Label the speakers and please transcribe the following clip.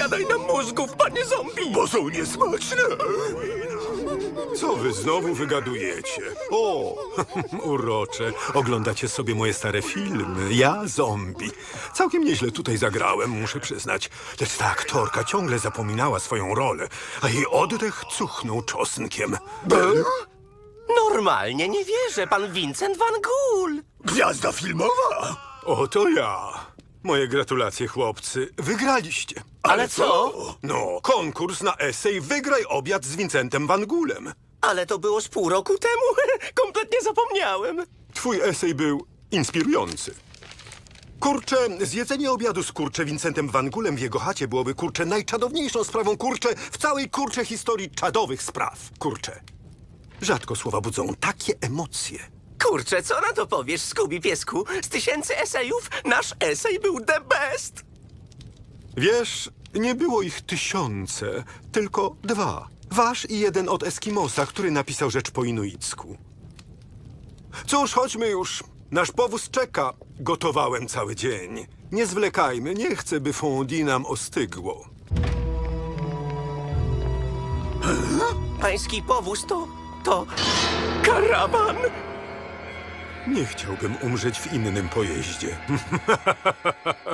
Speaker 1: wjadaj nam mózgów, panie zombie!
Speaker 2: Bo są niesmaczne. Co wy znowu wygadujecie? O, urocze. Oglądacie sobie moje stare filmy. Ja zombie. Całkiem nieźle tutaj zagrałem, muszę przyznać. Lecz ta aktorka ciągle zapominała swoją rolę, a jej oddech cuchnął czosnkiem.
Speaker 1: Normalnie nie wierzę, pan Vincent van Gogh!
Speaker 2: Gwiazda filmowa? Oto ja. Moje gratulacje, chłopcy. Wygraliście.
Speaker 1: Ale co?
Speaker 2: No, konkurs na esej Wygraj obiad z Vincentem Van Goolem.
Speaker 1: Ale to było z pół roku temu. Kompletnie zapomniałem.
Speaker 2: Twój esej był inspirujący. Kurczę, zjedzenie obiadu z Vincentem Van Goolem w jego chacie byłoby, najczadowniejszą sprawą, w całej, historii czadowych spraw. Rzadko słowa budzą takie emocje.
Speaker 1: Kurczę, co na to powiesz, Scooby piesku? Z 1000 esejów nasz esej był the best.
Speaker 2: Wiesz, nie było ich 1000, tylko 2. Wasz i jeden od Eskimosa, który napisał rzecz po inuicku. Cóż, chodźmy już. Nasz powóz czeka. Gotowałem cały dzień. Nie zwlekajmy, nie chcę, by fondue nam ostygło.
Speaker 1: Pański powóz to karawan.
Speaker 2: Nie chciałbym umrzeć w innym pojeździe.